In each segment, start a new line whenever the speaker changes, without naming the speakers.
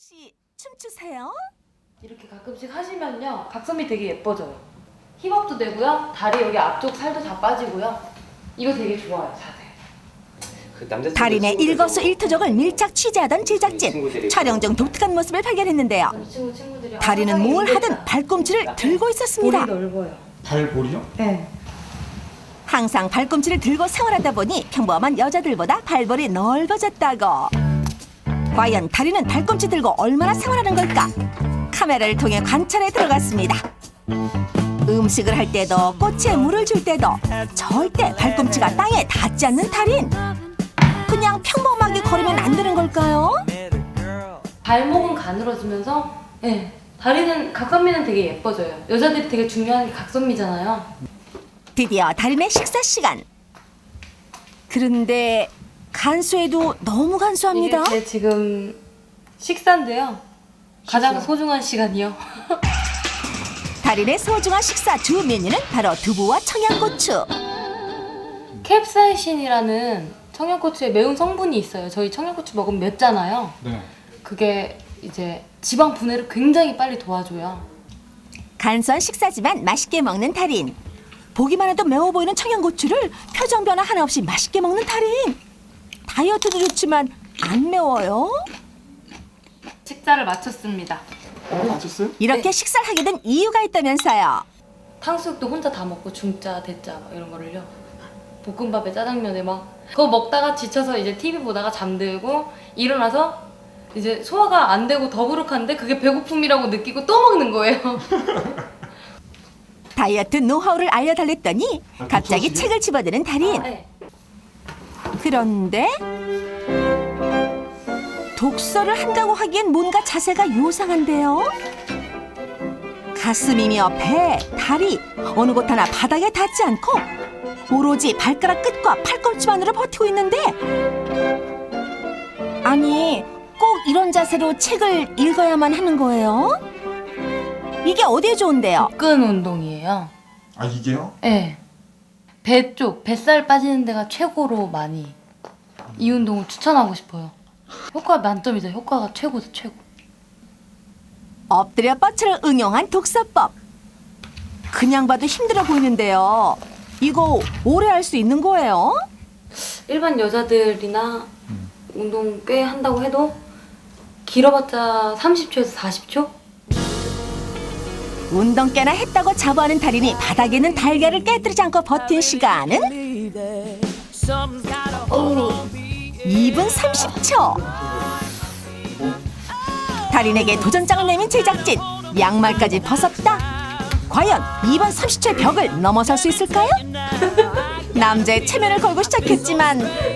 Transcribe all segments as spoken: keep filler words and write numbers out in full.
혹시 춤추세요?
이렇게 가끔씩 하시면요 각선미 되게 예뻐져요. 힙업도 되고요, 다리 여기 앞쪽 살도 다 빠지고요. 이거 되게 좋아요, 자세.
그
달인의 일거수일투족을 밀착 취재하던 제작진. 촬영 중 독특한 모습을 발견했는데요.
우리 친구 친구들이
달인은
항상
뭘
이게
하든 발꿈치를 들고 있었습니다.
볼이 넓어요.
발볼이요?
네.
항상 발꿈치를 들고 생활하다 보니 평범한 여자들보다 발볼이 넓어졌다고. 과연 달인은 발꿈치 들고 얼마나 생활하는 걸까? 카메라를 통해 관찰에 들어갔습니다. 음식을 할 때도 꽃에 물을 줄 때도 절대 발꿈치가 땅에 닿지 않는 달인. 그냥 평범하게 걸으면 안 되는 걸까요?
발목은 가늘어지면서 네. 다리는 각선미는 되게 예뻐져요. 여자들이 되게 중요한 게 각선미잖아요.
드디어 달인의 식사 시간. 그런데 간수해도 너무 간수합니다.
이게 제 지금 식사인데요. 가장
식사?
소중한 시간이요.
달인의 소중한 식사 주 메뉴는 바로 두부와 청양고추.
캡사이신이라는 청양고추에 매운 성분이 있어요. 저희 청양고추 먹으면 맵잖아요.
네.
그게 이제 지방 분해를 굉장히 빨리 도와줘요.
간소한 식사지만 맛있게 먹는 달인. 보기만 해도 매워 보이는 청양고추를 표정 변화 하나 없이 맛있게 먹는 달인. 다이어트도 좋지만 안 매워요?
식사를 마쳤습니다.
어, 맞췄어요?
이렇게
네.
식사를 하게 된 이유가 있다면서요.
탕수육도 혼자 다 먹고 중짜, 대짜 막 이런 거를요. 볶음밥에 짜장면에 막 그거 먹다가 지쳐서 이제 티비 보다가 잠들고 일어나서 이제 소화가 안 되고 더부룩한데 그게 배고픔이라고 느끼고 또 먹는 거예요.
다이어트 노하우를 알려달랬더니
아,
갑자기
독서실이요?
책을 집어드는 달인.
네.
그런데 독서를 한다고 하기엔 뭔가 자세가 요상한데요. 가슴이며 배, 다리 어느 곳 하나 바닥에 닿지 않고 오로지 발가락 끝과 팔꿈치만으로 버티고 있는데, 아니 꼭 이런 자세로 책을 읽어야만 하는 거예요? 이게 어디에 좋은데요?
복근 운동이에요.
아, 이게요?
네. 배 쪽, 뱃살 빠지는 데가 최고로 많이 이 운동을 추천하고 싶어요. 효과 만점이죠. 효과가 최고죠, 최고.
엎드려 뻗쳐를 응용한 독서법. 그냥 봐도 힘들어 보이는데요. 이거 오래 할 수 있는 거예요?
일반 여자들이나 운동 꽤 한다고 해도 길어봤자 삼십 초에서 사십 초?
운동 꽤나 했다고 자부하는 달인이 바닥에 있는 달걀을 깨뜨리지 않고 버틴 시간은 이 분 삼십 초. 달인에게 도전장을 내민 제작진. 양말까지 벗었다. 과연 이 분 삼십 초의 벽을 넘어설 수 있을까요? 남자의 체면을 걸고 시작했지만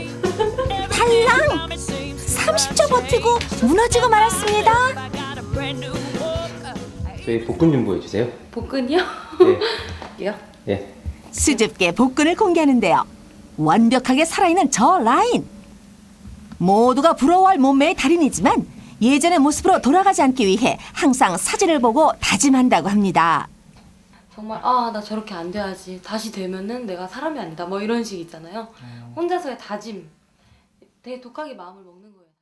탈랑! 삼십 초 버티고 무너지고 말았습니다.
저희 복근 좀 보여주세요.
복근이요?
네.
요?
예.
수줍게 복근을 공개하는데요. 완벽하게 살아있는 저 라인. 모두가 부러워할 몸매의 달인이지만 예전의 모습으로 돌아가지 않기 위해 항상 사진을 보고 다짐한다고 합니다.
정말 아 나 저렇게 안 돼야지. 다시 되면은 내가 사람이 아니다. 뭐 이런 식 있잖아요. 혼자서의 다짐. 되게 독하게 마음을 먹는 것 같아요.